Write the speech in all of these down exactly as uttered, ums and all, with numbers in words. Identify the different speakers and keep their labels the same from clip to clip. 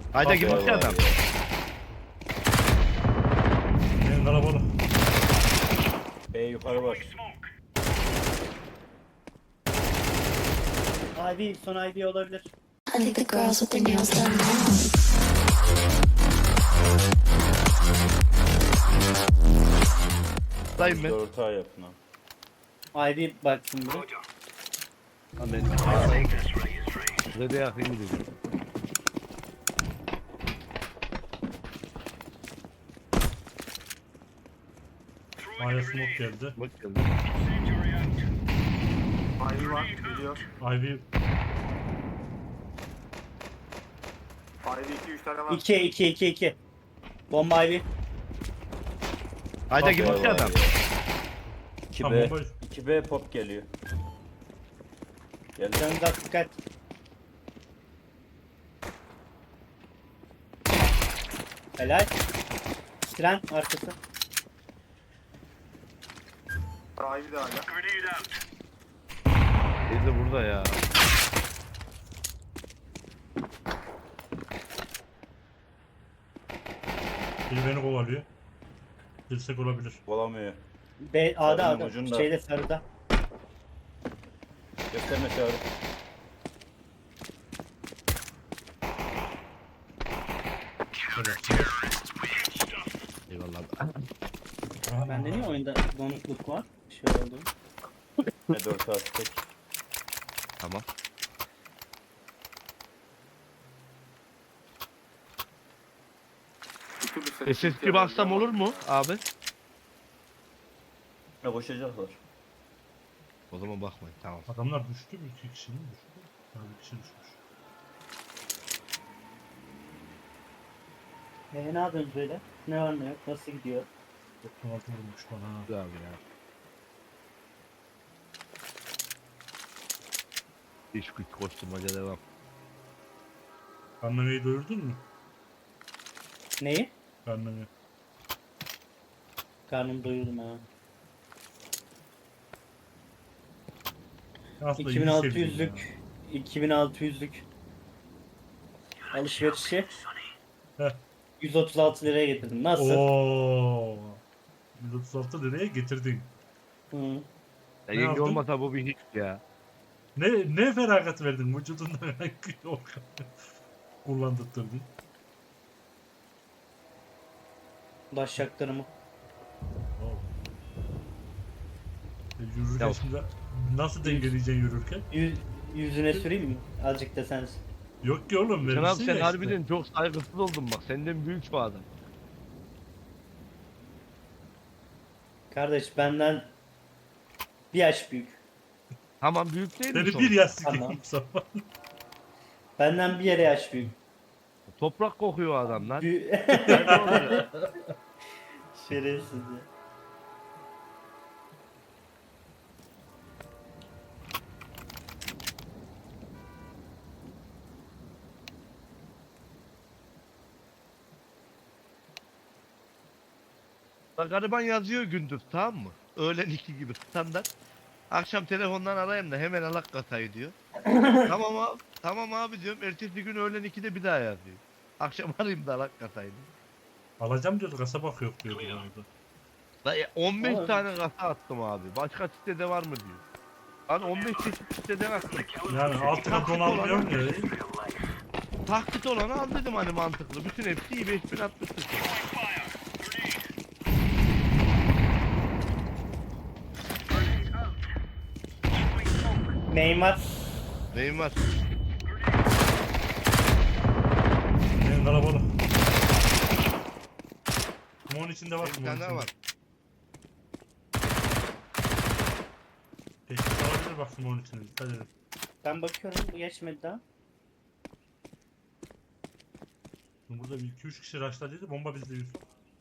Speaker 1: Ayda girmiş ya adam.
Speaker 2: Benim kalabalık.
Speaker 3: B yukarı bak.
Speaker 4: Ivy, son Ivy olabilir.
Speaker 5: I think the girls with their nails done now.
Speaker 1: Dayım ben.
Speaker 3: Dört A yapın abi.
Speaker 4: Ivy baksın bir.
Speaker 1: Lan ben ağlayayım. Size de yakayım dedim.
Speaker 2: Aya smoke geldi.
Speaker 1: Bak geldi.
Speaker 6: Ivy var, geliyor.
Speaker 2: Ivy
Speaker 6: Ivy iki üç tane var.
Speaker 4: iki iki iki iki. Bomba Ivy.
Speaker 1: Ayda girmiş ya adam.
Speaker 3: iki
Speaker 2: Tamam,
Speaker 3: B.
Speaker 2: boş.
Speaker 3: iki B pop geliyor. Geldi.
Speaker 4: Canınıza dikkat. Helal. Tren arkası.
Speaker 6: Ivy de hala.
Speaker 1: Teyze burada ya.
Speaker 2: biri beni kovalıyor. Dirsek olabilir.
Speaker 3: Olamıyor.
Speaker 4: B A'da
Speaker 3: Sarının
Speaker 4: A'da.
Speaker 3: ucunda.
Speaker 4: Şeyde sarıda.
Speaker 3: Gösterme çağrı.
Speaker 2: Şöyle.
Speaker 1: Eyvallah.
Speaker 4: Bende niye oyunda donukluk var? Şey oldu.
Speaker 3: Ne dört A tek.
Speaker 1: Tamam.
Speaker 6: Bir türlü ses
Speaker 1: S S G baksam olur mu abi?
Speaker 3: Ne koşacaklar.
Speaker 1: O zaman bakmayın tamam.
Speaker 2: Adamlar düştü mü? İki kişi mi düştü? Yani bir kişi düşmüş.
Speaker 4: E, ne yapıyorsunuz böyle? Ne var ne yok? Nasıl gidiyor?
Speaker 2: doksan altı vurmuş bana ha.
Speaker 1: Güzel abi ya. İş güç koşturmaca devam.
Speaker 2: Karnaveyi doyurdun mu?
Speaker 4: Neyi?
Speaker 2: Karnave.
Speaker 4: Karnım doyurdum ha.
Speaker 2: Aslında iyi
Speaker 4: iki bin altı
Speaker 2: sevdim
Speaker 4: yüzlük iki bin altı yüzlük alışverişi
Speaker 2: Heh.
Speaker 4: yüz otuz altı liraya getirdim.
Speaker 2: ya.
Speaker 4: Nasıl?
Speaker 2: Ooo. yüz otuz altı liraya getirdin.
Speaker 4: Hı.
Speaker 1: Ya
Speaker 2: Ne
Speaker 1: yenge
Speaker 2: yaptın?
Speaker 1: olmasa bu bir hiç ya.
Speaker 2: Ne ne feragat verdin vücudundan kullandırdın.
Speaker 4: Başaklarımı.
Speaker 2: E, yürürken
Speaker 1: Ya-
Speaker 2: şimdi nasıl dengeleyeceksin yürürken?
Speaker 4: Yüz, yüzüne süreyim mi? Azıcık da sen.
Speaker 2: Yok ki oğlum
Speaker 1: Sen abi
Speaker 2: verirsin
Speaker 1: sen
Speaker 2: ya
Speaker 1: harbiden
Speaker 2: işte.
Speaker 1: çok saygısız oldun bak. Senden büyük bir adam.
Speaker 4: Kardeş benden bir yaş büyük.
Speaker 1: Tamam büyük değil mi
Speaker 2: Seni bir
Speaker 1: sonuç?
Speaker 2: yaz
Speaker 4: Tamam.
Speaker 2: sikeyim zaman.
Speaker 4: Benden bir yere yaş büyük.
Speaker 1: Toprak kokuyor adam lan.
Speaker 4: Büyü-
Speaker 1: Nerede oluyor?
Speaker 4: Şerefsiz ya.
Speaker 1: Bak gariban yazıyor gündüz tamam mı? Öğlen iki gibi standart. Akşam telefondan arayayım da hemen alak katayı diyor. Tamam abi, tamam abi diyorum. Ertesi gün öğlen ikide bir daha yazıyor. Akşam arayayım da alak katayı diyor.
Speaker 2: Alacağım diyordu kasabak yok diyordu orada.
Speaker 1: Da e, on beş
Speaker 4: Oğlum.
Speaker 1: tane kasa attım abi. Başka sitede var mı diyor. Lan on beş çeşit siteden attım.
Speaker 2: Yani altına don almıyorum ya.
Speaker 1: Taklit olanı al dedim hani mantıklı. Bütün hepsi iyi beş bin altmış sıfır.
Speaker 4: Neymar.
Speaker 1: Neyim var?
Speaker 2: Benim kalabalık. Kumon içinde var
Speaker 1: Bir
Speaker 2: kumon
Speaker 1: tane daha
Speaker 2: içinde.
Speaker 1: var.
Speaker 2: Teşhis alabilir bak kumon içinde dikkat edin.
Speaker 4: Ben bakıyorum bu geçmedi daha.
Speaker 2: Şimdi burada bir iki üç kişi rushladıydı bomba bizde yüz.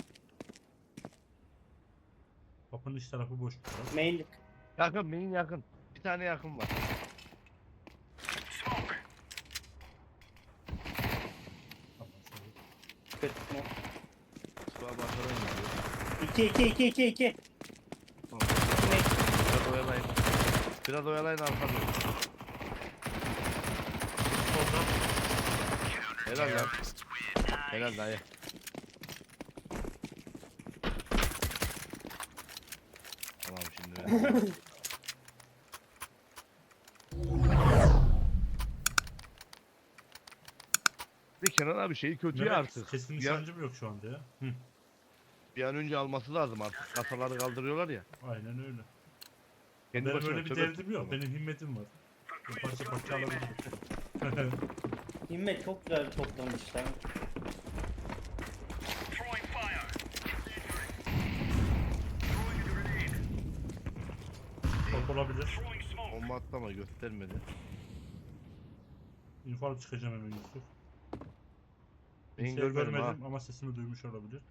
Speaker 2: Kapının iç tarafı boş. biraz.
Speaker 4: Mainlik.
Speaker 1: Yakın benim yakın. Bir tane yakın var.
Speaker 2: Tamam, şöyle.
Speaker 4: Kötü mü?
Speaker 1: Suğa bakarım diyor.
Speaker 4: iki iki iki iki iki.
Speaker 1: Tamam. Biraz oyalayın. Biraz oyalayın arkamda.
Speaker 2: Soldan
Speaker 1: Helal lan. Helal dayı. Tamam şimdi ben. Bir Kenan abi şeyi kötü ya
Speaker 2: Mehmet,
Speaker 1: artık.
Speaker 2: kesin
Speaker 1: Ya,
Speaker 2: nişancım yok şu anda ya. Hı,
Speaker 1: bir an önce alması lazım artık. Kasaları kaldırıyorlar ya.
Speaker 2: aynen öyle.
Speaker 1: Kendi
Speaker 2: Benim
Speaker 1: başına
Speaker 2: öyle bir
Speaker 1: tövbe
Speaker 2: derdim yok.
Speaker 1: tutma.
Speaker 2: Benim himmetim var. Bir parça parça alabilirim.
Speaker 4: Himmet çok güzel toplamış lan.
Speaker 2: Top olabilir.
Speaker 1: Bomba atlama göstermedi.
Speaker 2: Info alıp çıkacağım hemen Yusuf.
Speaker 1: Ben
Speaker 2: Kimseyi
Speaker 1: görmedim ha.
Speaker 2: görmedim ama sesimi duymuş olabilir.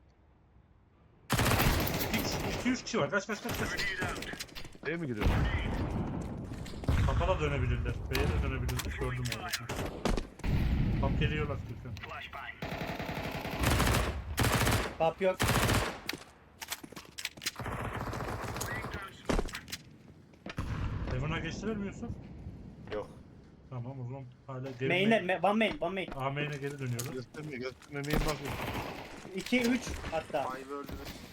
Speaker 2: iki üç kişi var. Kaç kaç kaç kaç.
Speaker 1: B'ye mi giriyor?
Speaker 2: Kapalı dönebilirler. B'ye de dönebilirler. Gördüm orada. Tam geliyorlar Türkan.
Speaker 4: Pap yok.
Speaker 2: Heaven'a geçtiler mi Yusuf?
Speaker 3: Yok.
Speaker 2: Tamam o zaman hala geri
Speaker 4: Main'e, ma- one main, one main.
Speaker 2: A main'e geri dönüyoruz.
Speaker 1: Gösterme gösterme. Main bakıyor.
Speaker 4: iki üç hatta.
Speaker 6: Five öldü.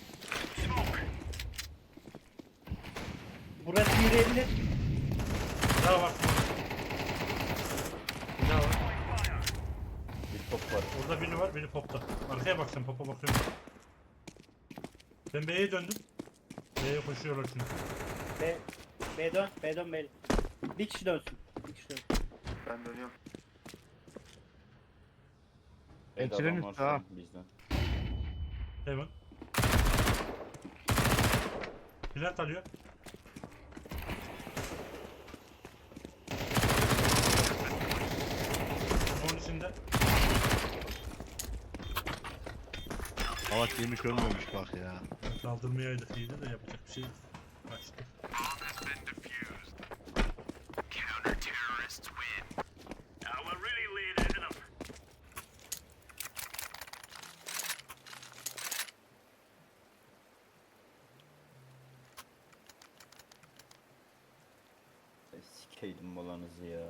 Speaker 4: Burası yürüyebilir.
Speaker 2: Daha var. Bir daha var.
Speaker 3: Bir top var.
Speaker 2: Orada biri var, biri popta. Arkaya bak sen, popa bakıyorum. Ben B'ye döndüm. B'ye koşuyorlar çünkü.
Speaker 4: B, B dön, B dön, B. Bir kişi dönsün. Bir kişi dönsün.
Speaker 6: Ben dönüyorum.
Speaker 3: Evet,
Speaker 1: Entren
Speaker 3: adam var
Speaker 1: üstü
Speaker 3: şu
Speaker 1: ha.
Speaker 3: an bizden.
Speaker 2: Heaven. Plant alıyor. Onun içinde.
Speaker 1: Havat yemiş ölmemiş bak ya.
Speaker 2: Kaldırmayaydık iyiydi de yapacak bir şey yok. Kaçtı.
Speaker 3: E, Sikeydim molanızı ya.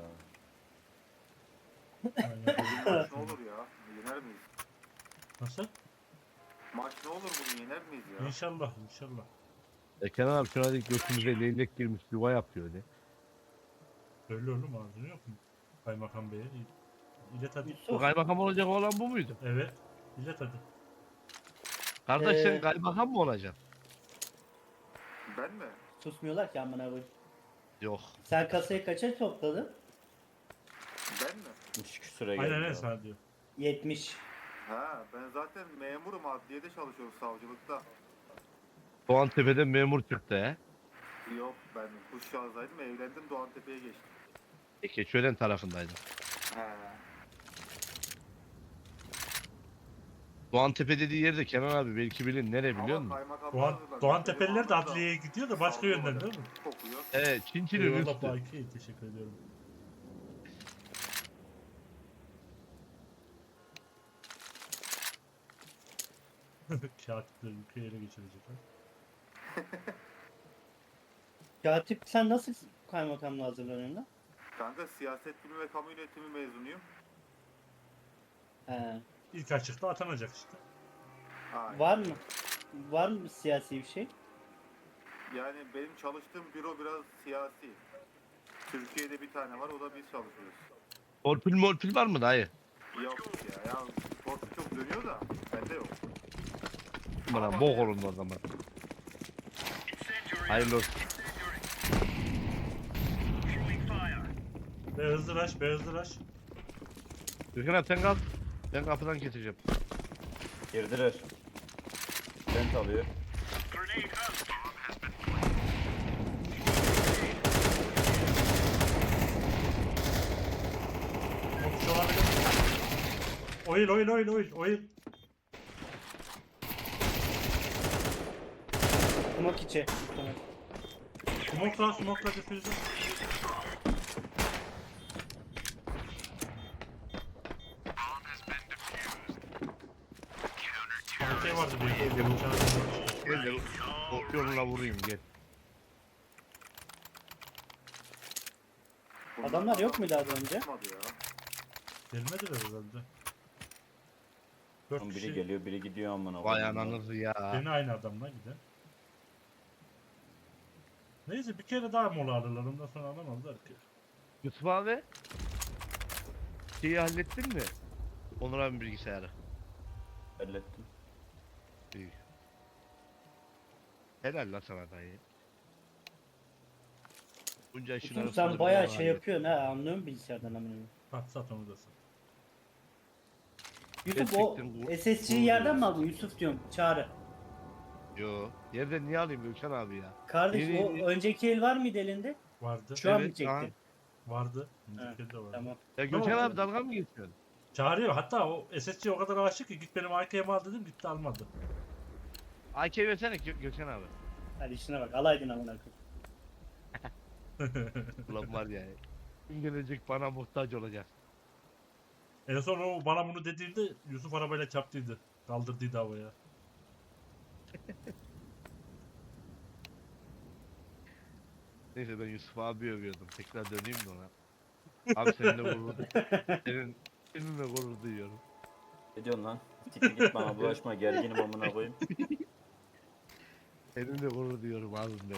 Speaker 2: Aynen öyle.
Speaker 6: Maç ne olur ya? Yener miyiz?
Speaker 2: Nasıl?
Speaker 6: Maç ne olur bugün yener miyiz ya?
Speaker 2: İnşallah, inşallah.
Speaker 1: E Kenan abi şuna dik götümüze leylek girmiş yuva yapıyor de.
Speaker 2: Öyle oğlum ağzını yok mu? Kaymakam Bey'e. İlet hadi.
Speaker 1: Bu
Speaker 4: Yusuf.
Speaker 1: kaymakam olacak olan bu muydu?
Speaker 2: Evet. İlet hadi.
Speaker 1: Kardeş
Speaker 4: Ee,
Speaker 1: sen kaymakam mı olacaksın?
Speaker 6: Ben mi?
Speaker 4: Susmuyorlar ki amına koyayım.
Speaker 1: Yok.
Speaker 4: Sen kasayı kaça topladın?
Speaker 6: Ben mi?
Speaker 3: Üç küsüre geldi.
Speaker 2: Aynen aynen
Speaker 3: ya.
Speaker 2: sana diyor.
Speaker 4: yetmiş.
Speaker 6: Ha ben zaten memurum, adliyede çalışıyorum, savcılıkta.
Speaker 1: Doğantepe'den memur çıktı he.
Speaker 6: Yok, ben Kuşşağız'daydım, evlendim, Doğantepe'ye geçtim.
Speaker 1: E Keçiören tarafındaydım.
Speaker 6: He.
Speaker 1: Doğantepe dediği yerde Kenan abi belki bilin nere biliyor musun?
Speaker 2: Doğan, Doğan Tepeliler de adliyeye gidiyor da başka yönden değil mi?
Speaker 6: Kokuyor.
Speaker 1: Evet Çinçinin
Speaker 2: Eyvallah
Speaker 1: üstü.
Speaker 2: Baki, teşekkür ediyorum. Katipleri ülkeyi ele geçirecekler.
Speaker 4: Katip sen nasıl kaymakamla hazırlanıyorsun lan?
Speaker 6: Kanka siyaset bilimi ve kamu yönetimi mezunuyum.
Speaker 4: He.
Speaker 2: İlk açıkta atanacak işte.
Speaker 6: Aynen.
Speaker 4: Var mı? Var mı siyasi bir şey?
Speaker 6: Yani benim çalıştığım büro biraz siyasi. Türkiye'de bir tane var, o da biz çalışıyoruz.
Speaker 1: Torpil morpil var mı dayı?
Speaker 6: Yok ya, ya sportu çok dönüyor da bende yok.
Speaker 1: Bana bok olun o zaman. Hayırlı olsun.
Speaker 2: Be hızlı rush, be hızlı rush.
Speaker 1: Gürkan abi sen kal. Ben kapıdan getireceğim.
Speaker 3: Girdiler. Bent alıyor.
Speaker 2: Şu olabilir. Oyun, oyun, oyun, oyun, oyun.
Speaker 4: Smoke içi. Tamam.
Speaker 2: Smoke'la, smoke'la difüzü. Arkaya vardı diye.
Speaker 1: Gel de Gel de ok yoluna vurayım gel.
Speaker 6: Bunlar
Speaker 4: Adamlar yok muydu az önce?
Speaker 6: Çıkmadı ya.
Speaker 2: Gelmediler herhalde. Dört
Speaker 3: Lan biri
Speaker 2: kişi.
Speaker 3: geliyor biri gidiyor amına
Speaker 1: Vay
Speaker 3: koyayım.
Speaker 1: ananızı ya.
Speaker 2: Beni aynı adamla giden. Neyse bir kere daha mola alırlar. Ondan sonra alamazlar ki.
Speaker 1: Yusuf abi. Şeyi hallettin mi? Onur abi bilgisayarı.
Speaker 3: Hallettim.
Speaker 1: İyi. Helal la sana dayı. Bunca işin
Speaker 4: Yusuf
Speaker 1: arasında
Speaker 4: sen
Speaker 1: bir
Speaker 4: bayağı
Speaker 1: onu
Speaker 4: şey
Speaker 1: hallettin.
Speaker 4: yapıyorsun ha, anlıyor musun bilgisayardan amına?
Speaker 2: Sat sat onu da sat.
Speaker 4: Yusuf o
Speaker 1: Gerçekten bu-
Speaker 4: S S C'yi
Speaker 1: bu-
Speaker 4: yerden mi aldın Yusuf diyorum Çağrı.
Speaker 1: Yo. Yerden niye alayım Gökhan abi ya?
Speaker 4: Kardeş
Speaker 1: Yeni-
Speaker 4: o önceki el var mıydı elinde?
Speaker 2: Vardı.
Speaker 4: Şu an mı
Speaker 1: Evet,
Speaker 4: çektin?
Speaker 1: aha.
Speaker 2: Vardı.
Speaker 4: Ha,
Speaker 2: Önceki de vardı.
Speaker 4: Tamam.
Speaker 1: Ya Gökhan
Speaker 2: Tamam.
Speaker 1: abi dalga mı geçiyorsun?
Speaker 2: Çağırıyor. Hatta o S S C o kadar aşık ki git benim A K'yemi al dedim gitti almadı.
Speaker 1: A K versene Gö- Gökhan abi.
Speaker 4: Hadi işine bak, alaydın amına koyayım.
Speaker 1: Ulan var ya. Kim gelecek bana muhtaç olacak.
Speaker 2: En son o bana bunu dediğinde Yusuf arabayla çarptıydı. Kaldırdıydı havaya.
Speaker 1: Neyse ben Yusuf abi övüyordum. Tekrar döneyim de ona. Abi seninle gurur Senin, seninle gurur duyuyorum.
Speaker 3: Ne diyorsun lan? Siktir git bana bulaşma gerginim amına koyayım.
Speaker 1: Seninle gurur duyuyorum abim benim.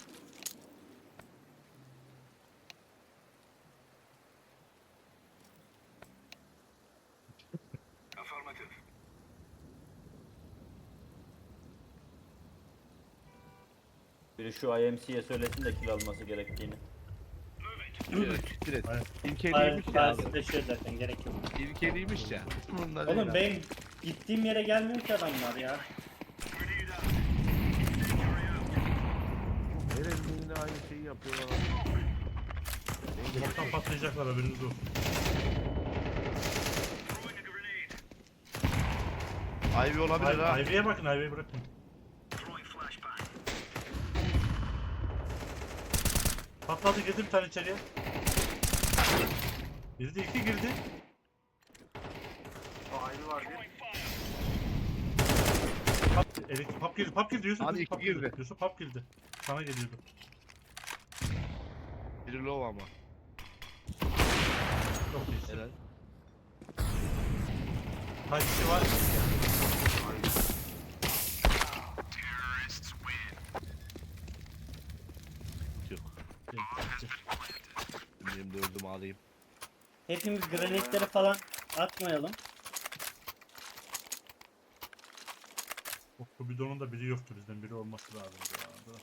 Speaker 3: Biri şu I M C'ye söylesin de kill alması gerektiğini.
Speaker 1: Direkt, direkt.
Speaker 2: Aynen.
Speaker 1: İlkeliymiş ya abi.
Speaker 4: Karşılaşıyor zaten, gerek yok.
Speaker 1: İlkeliymiş ya. Bunlar değil
Speaker 4: Oğlum
Speaker 1: abi.
Speaker 4: benim gittiğim yere gelmiyor ki adamlar ya.
Speaker 1: Herhalde yine aynı şeyi yapıyorlar abi.
Speaker 2: Uzaktan patlayacaklar haberiniz olsun.
Speaker 1: Ivy olabilir ha.
Speaker 2: Ay- Ivy'ye bakın Ivy'yi bırakın. Patladı girdi bir tane içeriye. Girdi iki girdi.
Speaker 6: Ayrı var bir.
Speaker 2: Pap, elektrik pap girdi pap girdi Yusuf.
Speaker 1: Hadi
Speaker 2: Yusuf
Speaker 1: iki
Speaker 2: pap girdi.
Speaker 1: girdi.
Speaker 2: Yusuf pap girdi. Sana geliyordu.
Speaker 1: Biri low ama.
Speaker 2: Çok iyisin.
Speaker 1: Helal.
Speaker 2: Kaç kişi var?
Speaker 1: Yok. Benim dördümü alayım.
Speaker 4: Hepimiz granitleri falan atmayalım.
Speaker 2: Bu, bu bidonun da biri yoktu bizden. Biri olması lazım. Ya.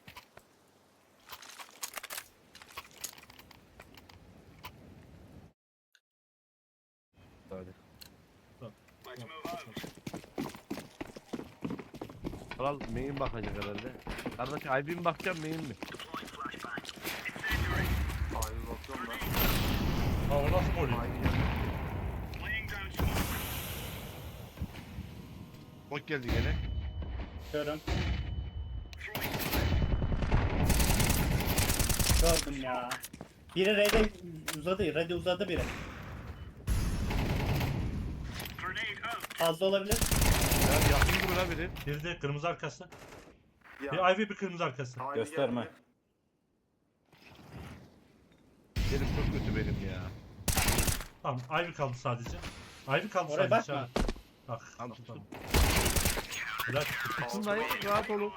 Speaker 1: Hadi.
Speaker 2: Tamam.
Speaker 1: Kral main bakacak herhalde. Kardeş Ivy mi bakacağım main mi?
Speaker 6: Ayrı bakıyorum ben.
Speaker 2: Ha o nasıl gol?
Speaker 6: Ayrı geldi.
Speaker 1: Bok geldi gene.
Speaker 4: Görüm. Gördüm ya. Biri Red'e uzadı, Red'e uzadı biri. Fazla olabilir.
Speaker 1: Ya yakın gibi la biri.
Speaker 2: Bir de kırmızı arkası.
Speaker 6: Ya,
Speaker 2: Bir Ivy bir kırmızı arkası.
Speaker 6: ayrı
Speaker 3: Gösterme.
Speaker 6: geldi.
Speaker 1: Benim çok kötü benim ya.
Speaker 2: Tamam Ivy kaldı sadece. Ivy kaldı
Speaker 4: Oraya
Speaker 2: sadece.
Speaker 4: bakma.
Speaker 2: ha. Bak.
Speaker 1: Tamam,
Speaker 2: bak,
Speaker 1: tuttum.
Speaker 2: tamam. Helal.
Speaker 1: Tutun dayı rahat olun.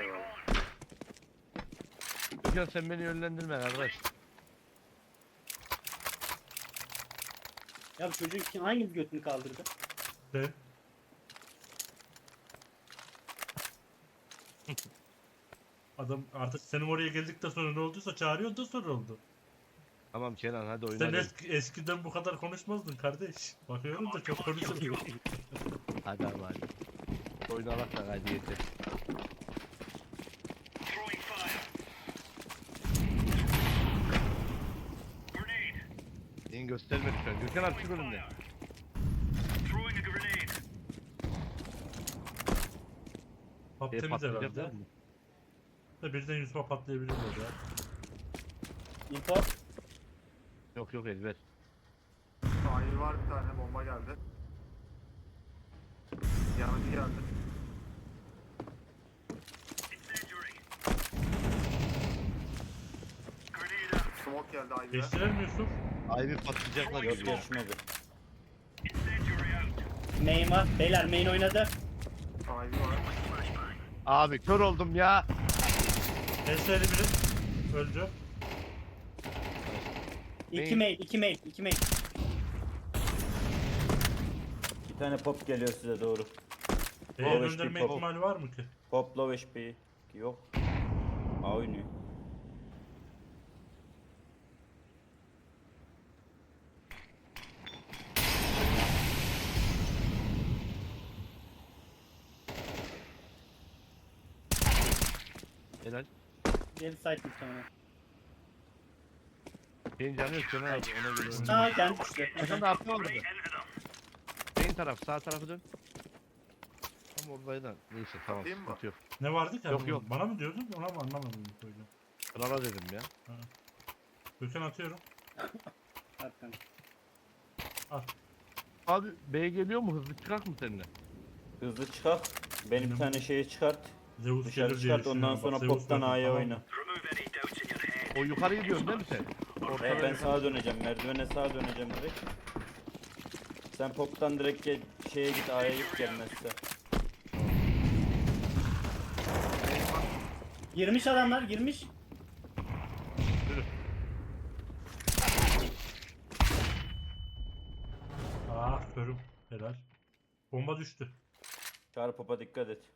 Speaker 1: Gökhan sen beni yönlendirme kardeş.
Speaker 4: Ya bu çocuk kim, hangimiz götünü kaldırdı?
Speaker 2: Ben. Adam artık senin oraya geldikten sonra ne olduysa çağırıyor da sonra oldu.
Speaker 1: Tamam Kenan hadi
Speaker 2: Sen
Speaker 1: oynayalım.
Speaker 2: eski, eskiden bu kadar konuşmazdın kardeş. Bakıyorum da çok konuşuyorsun.
Speaker 1: Hadi abi hadi. Oynalak da hadi yeter. Yine gösterme lütfen. Gökhan abi çık önümden.
Speaker 2: Pap
Speaker 1: E,
Speaker 2: temiz
Speaker 1: patlayacak
Speaker 2: herhalde.
Speaker 1: mı?
Speaker 2: Da birden Yusuf'a patlayabilirler ya.
Speaker 4: Info.
Speaker 1: Yok yok Elver.
Speaker 6: Ayrı var bir tane bomba geldi. Yanıcı geldi. Smoke geldi Ayrı'ya.
Speaker 2: Geçtiler mi Yusuf?
Speaker 1: Ivy patlayacaklar
Speaker 3: Yok
Speaker 1: gibi ya.
Speaker 3: geçmedi.
Speaker 4: Main var. Beyler main oynadı.
Speaker 6: Ivy var.
Speaker 1: Abi kör oldum ya.
Speaker 2: S S'li biri. Öldü.
Speaker 4: İki
Speaker 1: Main.
Speaker 4: main, iki main, iki main.
Speaker 3: Bir tane pop geliyor size doğru.
Speaker 2: B'ye
Speaker 3: Low H P
Speaker 2: gönderme
Speaker 3: pop.
Speaker 2: ihtimali var mı ki?
Speaker 3: Pop low H P. Yok. A oynuyor.
Speaker 1: Helal.
Speaker 4: Geri site muhtemelen.
Speaker 1: Senin canı yok Kenan abi ona göre oyna.
Speaker 4: Aa kendi düştü.
Speaker 1: Kenan da arka orada. Senin taraf sağ tarafı dön. Tam oradaydı. Neyse tamam
Speaker 6: Atayım mı?
Speaker 1: sıkıntı yok.
Speaker 2: Ne vardı ki?
Speaker 1: Yok,
Speaker 2: abi?
Speaker 1: yok.
Speaker 2: Bana mı diyordun? Ona mı anlamadım bu koydu.
Speaker 1: Krala dedim ya.
Speaker 2: Gökhan atıyorum.
Speaker 4: Arkan.
Speaker 1: Abi B geliyor mu hızlı çıkak mı seninle?
Speaker 3: Hızlı çıkart. Benim bir tane şeyi çıkart.
Speaker 2: Zeus
Speaker 3: Dışarı
Speaker 2: gelir diye
Speaker 3: çıkart ondan
Speaker 2: düşünüyorum.
Speaker 3: sonra
Speaker 2: Bak, Zeus
Speaker 3: poptan
Speaker 2: dedim,
Speaker 3: A'ya
Speaker 2: tamam.
Speaker 3: oyna.
Speaker 1: O yukarı gidiyorsun değil mi sen?
Speaker 3: He, ben sağa döneceğim. Merdivene sağa döneceğim direkt. Sen poptan direkt gel, şeye git A'ya git gelmezse.
Speaker 4: Girmiş adamlar, girmiş.
Speaker 2: Ah körüm. Helal. Bomba düştü.
Speaker 3: Çağrı popa dikkat et.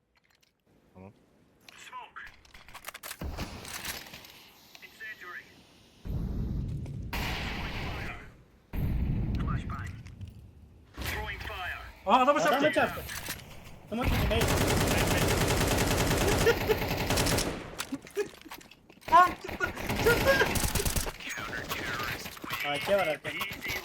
Speaker 2: Aa adamı
Speaker 4: Adamı
Speaker 2: çarptı.
Speaker 4: çarptı. Smoke gibi main. A K var arkanda.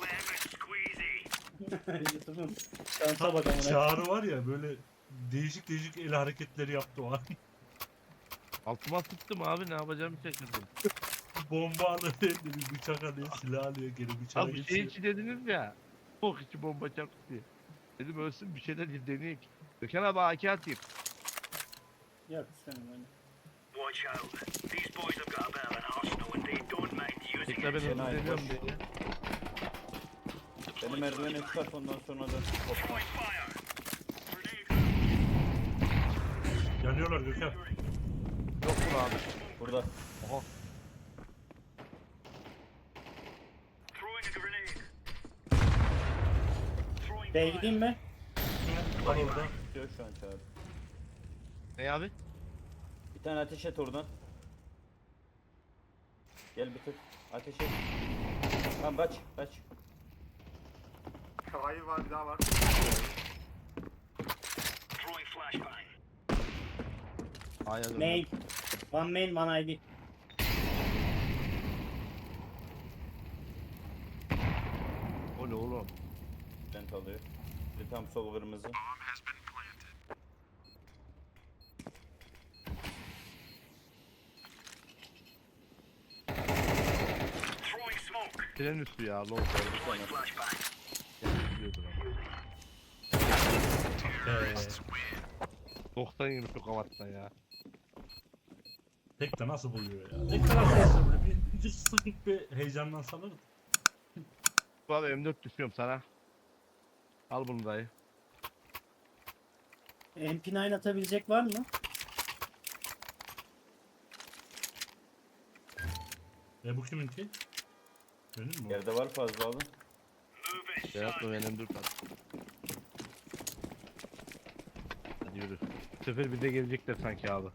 Speaker 4: Yusuf'un şansa bak amına.
Speaker 2: Çağrı var ya böyle değişik değişik el hareketleri yaptı o an.
Speaker 1: Altıma sıktım abi ne yapacağımı şaşırdım.
Speaker 2: Bomba alıyor, bir bıçak alıyor, silah alıyor, geri bıçağa
Speaker 1: Abi şey
Speaker 2: geçiyor.
Speaker 1: içi dediniz ya. Bok içi bomba çarptı diye. Dedim ölsün bir şeyler deneyek. Gökhan abi A K atayım.
Speaker 4: Yok istemem öyle.
Speaker 1: Tekrar ben
Speaker 3: Fena
Speaker 1: hızlı deniyorum
Speaker 3: boş.
Speaker 1: diye.
Speaker 3: Beni merdivene çıkart ondan sonra da poptan.
Speaker 2: Yanıyorlar Gökhan.
Speaker 1: Yok mu abi?
Speaker 3: Burada.
Speaker 1: Oha.
Speaker 4: B'ye gideyim mi?
Speaker 2: Var orada.
Speaker 3: Diyor şu an Çağrı.
Speaker 1: Ne abi?
Speaker 3: Bir tane ateş et oradan. Gel bir tık. Ateş et. Tamam kaç kaç.
Speaker 6: Ivy var bir daha var.
Speaker 1: A'ya dön.
Speaker 4: Main. One main, one I D.
Speaker 1: O ne oğlum?
Speaker 3: Vent alıyor. Bir tam sol kırmızı.
Speaker 1: Tren üstü ya. Low. Biliyordur ama.
Speaker 2: Ee,
Speaker 1: doksan yirmi çok avattan ya.
Speaker 2: tek de nasıl buluyor ya? Tek de nasıl buluyor? Böyle bir, bir sıkıp bir heyecandan sanırım.
Speaker 1: Bu abi M dört düşüyorum sana. Al bunu dayı.
Speaker 4: M P dokuz atabilecek var mı?
Speaker 2: E bu kiminki? Benim mi? o?
Speaker 3: Yerde var fazla alın.
Speaker 1: Berat mı benim dört at. Hadi yürü. Bu sefer bize gelecekler sanki abi.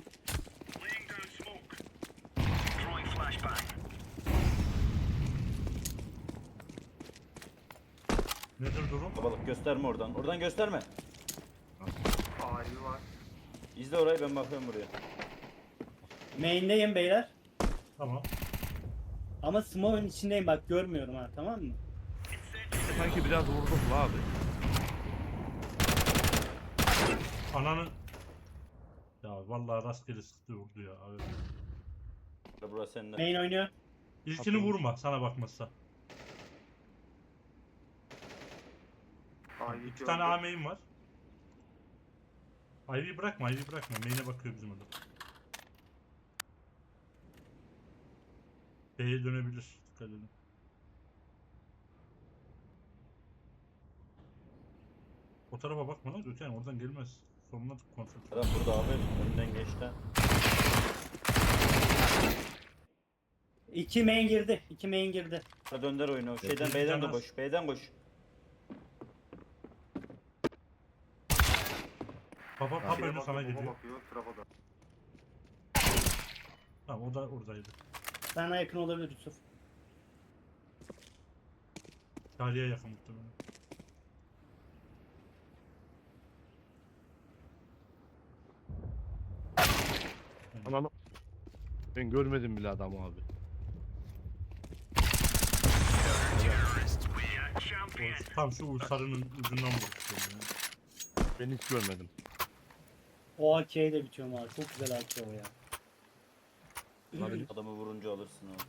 Speaker 2: Nedir durum?
Speaker 3: Babalık gösterme oradan. Oradan gösterme.
Speaker 6: Ivy var.
Speaker 3: İzle orayı ben bakıyorum buraya.
Speaker 4: Main'deyim beyler.
Speaker 2: Tamam.
Speaker 4: Ama smoke'un içindeyim bak görmüyorum ha tamam mı?
Speaker 1: Sanki biraz vurdum bu abi.
Speaker 2: Ananı... Ya vallahi rastgele sıktı vurdu ya. Abi.
Speaker 3: Burası sende.
Speaker 4: Main oynuyor.
Speaker 2: İlkini vurma sana bakmazsa.
Speaker 6: Ivy
Speaker 2: İki tane A main var. Ivy'yi bırakma, Ivy'yi bırakma. Main'e bakıyor bizim adam. B'ye dönebilir. Dikkat edin. O tarafa bakma lan Gökhan, oradan gelmez. Sonuna kontrol.
Speaker 3: Adam burada abi. Önden geçti.
Speaker 4: İki main girdi. İki main girdi.
Speaker 3: Ha dönder oyunu. Şeyden
Speaker 2: bir
Speaker 3: B'den de
Speaker 2: canaz.
Speaker 3: koş. B'den koş.
Speaker 2: Papa papa
Speaker 6: Şeye
Speaker 2: önü sana
Speaker 6: bakıyor,
Speaker 2: geliyor.
Speaker 6: bakıyor, trafoda.
Speaker 2: Tamam o da oradaydı.
Speaker 4: Sana yakın olabilir Yusuf.
Speaker 2: Charlie'ye yakın muhtemelen.
Speaker 1: Ananı. Ben görmedim bile adamı abi.
Speaker 2: O, tam şu sarının ucundan vurmuştum ya.
Speaker 1: Ben hiç görmedim.
Speaker 4: O A K'ye de bitiyorum abi. Çok güzel A K o ya.
Speaker 1: Olabilir.
Speaker 3: Adamı vurunca alırsın abi.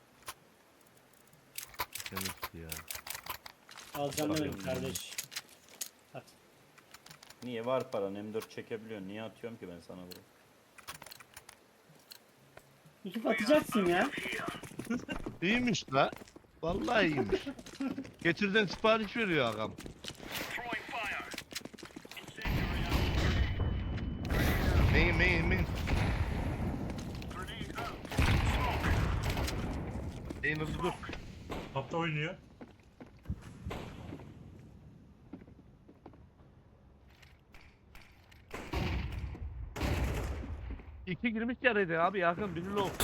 Speaker 1: Demek ki ya.
Speaker 4: Alacağım
Speaker 3: Bakıyorum
Speaker 4: demedim kardeş. At.
Speaker 3: Niye var paran? M dört çekebiliyorsun. Niye atıyorum ki ben sana bunu?
Speaker 4: Yusuf atacaksın ya.
Speaker 1: İyiymiş la. Vallahi iyiymiş. Getirden sipariş veriyor ağam. Main main main. Main hızlı dur.
Speaker 2: Tapta oynuyor.
Speaker 1: İki girmiş yarıydı abi yakın biri low.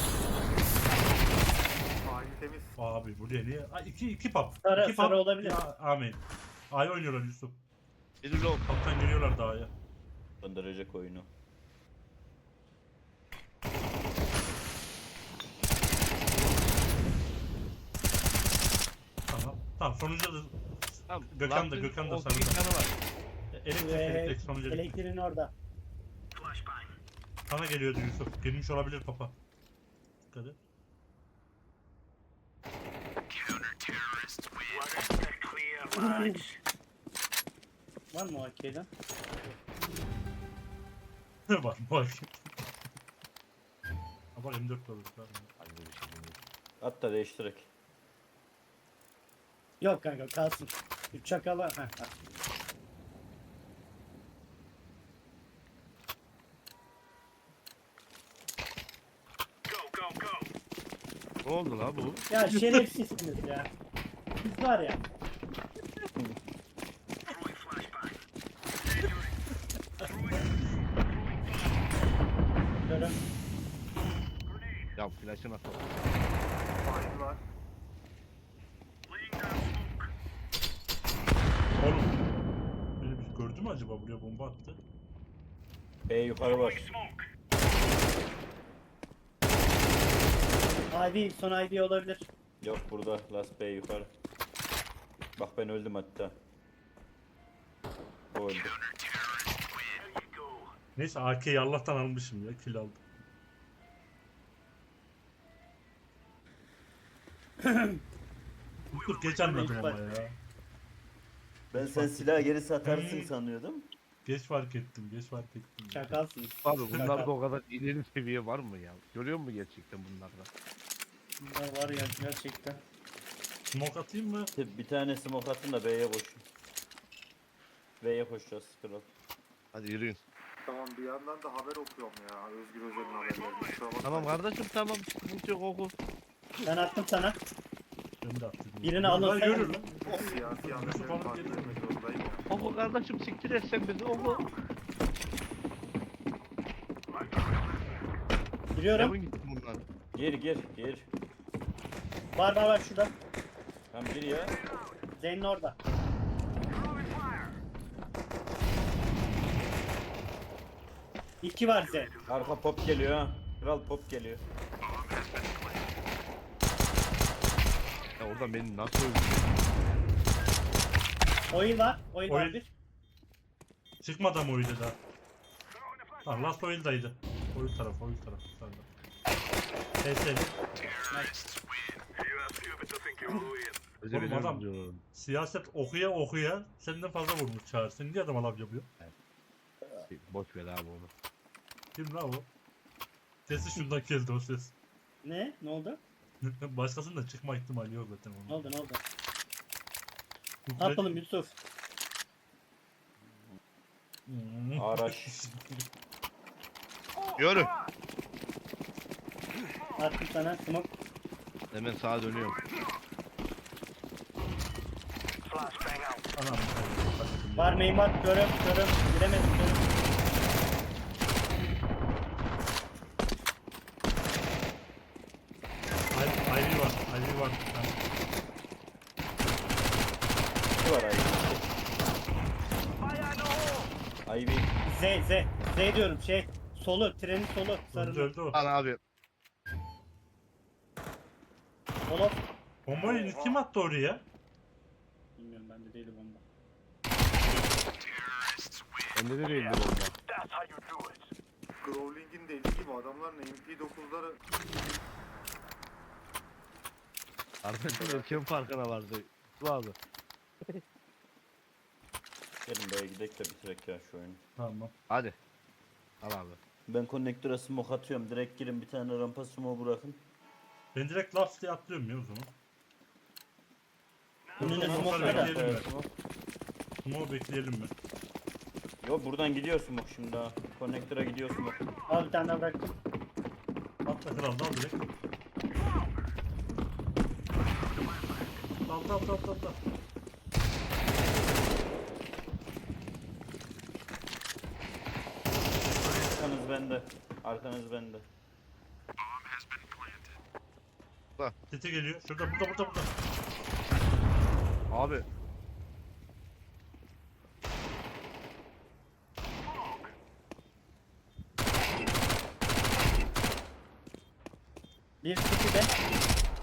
Speaker 6: Sahil temiz.
Speaker 2: Abi buraya niye? Aa, iki iki pap.
Speaker 4: Sarı-
Speaker 2: iki
Speaker 4: sarı olabilir.
Speaker 2: Ya, amin. A'ya oynuyorlar Yusuf.
Speaker 1: Biri low.
Speaker 2: Kaptan geliyorlar daha ya.
Speaker 3: Döndürecek oyunu.
Speaker 2: Tamam. Tamam sonucu da
Speaker 1: Tamam.
Speaker 2: Gökhan da,
Speaker 1: Lamp'ın
Speaker 2: Gökhan da
Speaker 1: o
Speaker 2: sarıda.
Speaker 1: iki yanı var.
Speaker 2: elektrik
Speaker 4: Ve
Speaker 2: elektrik sonucu.
Speaker 4: elektriğin orada.
Speaker 2: Sana geliyordu Yusuf. Gelmiş olabilir papa. Dikkat et.
Speaker 4: Var mı o A K'den?
Speaker 2: bak bak. Ha bak M dört de olur. Tamam.
Speaker 3: At da değiştirek.
Speaker 4: Yok kanka kalsın. Üç çakala. Heh, at.
Speaker 1: Ne oldu la bu?
Speaker 4: Ya şerefsizsiniz ya. Siz var ya. Görün.
Speaker 1: Ya flash'ın atalım.
Speaker 6: Sahil var.
Speaker 2: Oğlum. Beni bir gördü mü acaba, buraya bomba attı?
Speaker 3: B yukarı var.
Speaker 4: I D son I D olabilir.
Speaker 3: Yok burada. Last B yukarı. Bak ben öldüm hatta. O öldü.
Speaker 2: Neyse A K'yi Allah'tan almışım ya, kill aldım. Dur geç anladım ama ya.
Speaker 3: Ben sen silahı geri satarsın
Speaker 2: Hmm.
Speaker 3: sanıyordum.
Speaker 2: Geç fark ettim, geç fark ettim.
Speaker 4: Çakalsınız.
Speaker 1: Abi bunlarda o kadar ileri seviye var mı ya? Görüyor musun gerçekten bunlarda?
Speaker 4: Bunlar var ya gerçekten.
Speaker 2: Smoke atayım mı?
Speaker 3: Bir tane smoke atın da B'ye koşun. B'ye koşacağız scroll.
Speaker 1: Hadi yürüyün.
Speaker 6: Tamam bir yandan da haber okuyorum ya. Özgür Özel'in haberlerini. Kusura bakmayın.
Speaker 1: Tamam kardeşim tamam. Sıkıntı yok oku.
Speaker 4: Ben attım sana.
Speaker 2: Ben de attım.
Speaker 4: Birini alın
Speaker 2: Lan
Speaker 4: sen.
Speaker 2: yürü lan.
Speaker 6: Siyasi
Speaker 2: Yusuf
Speaker 6: haberleri
Speaker 2: alıp
Speaker 6: takip
Speaker 2: geliyor.
Speaker 6: etmek zorundayım ya.
Speaker 1: Oku kardeşim siktir et sen bizi oku.
Speaker 4: Giriyorum.
Speaker 1: Yapın gitsin bunlar.
Speaker 3: Gir gir gir.
Speaker 4: Var var var şurada.
Speaker 3: Tam gir ya.
Speaker 4: Zeyn'in orada. İki var Zeyn.
Speaker 3: Arka pop geliyor ha. Kral pop geliyor.
Speaker 1: Ya oradan beni nasıl öldürdün?
Speaker 4: Oil var. Oil var
Speaker 2: Oil.
Speaker 4: bir.
Speaker 2: Çıkmadı ama oydu da. Tamam last oil'daydı. Oil tarafı, oil tarafı. Sağda. Neyse.
Speaker 1: Bize
Speaker 2: Oğlum
Speaker 1: beni
Speaker 2: adam-
Speaker 1: öldürüyor.
Speaker 2: Siyaset okuya okuya senden fazla vurmuş Çağrı. Sen niye adama laf yapıyor?
Speaker 1: Boş ver abi onu.
Speaker 2: Kim lan o? Sesi şundan geldi o ses.
Speaker 4: Ne? Ne oldu?
Speaker 2: Başkasının da çıkma ihtimali yok zaten onun.
Speaker 4: Ne oldu ne oldu?
Speaker 2: Bu
Speaker 4: Ne yapalım Yusuf?
Speaker 2: Hmm.
Speaker 3: Araç.
Speaker 1: Yürü.
Speaker 4: Attım sana smoke.
Speaker 1: Hemen sağa dönüyorum.
Speaker 2: Anam.
Speaker 4: Var meymat görüm görüm. Giremedim görüm.
Speaker 2: Ivy Ivy var. Ivy var. Ha.
Speaker 3: Ne var Ivy? Ivy.
Speaker 4: Z Z. Z diyorum şey. Solu trenin solu.
Speaker 2: Öldü
Speaker 4: Sarılı.
Speaker 2: öldü o.
Speaker 1: Lan abi.
Speaker 4: Solo.
Speaker 2: Bombayı kim attı oraya?
Speaker 4: Bilmiyorum bende değil bomba.
Speaker 1: Bende de değildi bomba.
Speaker 6: Growling'in dediği gibi adamların M P dokuzları
Speaker 1: Arkadaşlar kim farkına vardı? Bu abi.
Speaker 3: Gelin B'ye gidelim de bitirek ya şu oyunu.
Speaker 2: Tamam.
Speaker 1: Hadi. Al abi.
Speaker 3: Ben konnektöre smoke atıyorum. Direkt girin bir tane rampa smoke bırakın.
Speaker 2: Ben direkt laps diye atlıyorum ya o zaman.
Speaker 4: Önüne
Speaker 2: Smoke'ları
Speaker 4: smoke var da.
Speaker 2: bekleyelim mi?
Speaker 3: smoke.
Speaker 2: Smoke bekleyelim mi?
Speaker 3: Yo buradan gidiyor smoke şimdi ha. Konnektöre gidiyor smoke.
Speaker 4: Al bir tane daha bıraktım.
Speaker 2: Atla kral dal direkt. Dal dal dal dal dal.
Speaker 3: Arkanız bende. Arkanız bende.
Speaker 2: Tete geliyor. Şurada burada burada burada.
Speaker 1: Abi.
Speaker 4: Bir iki de.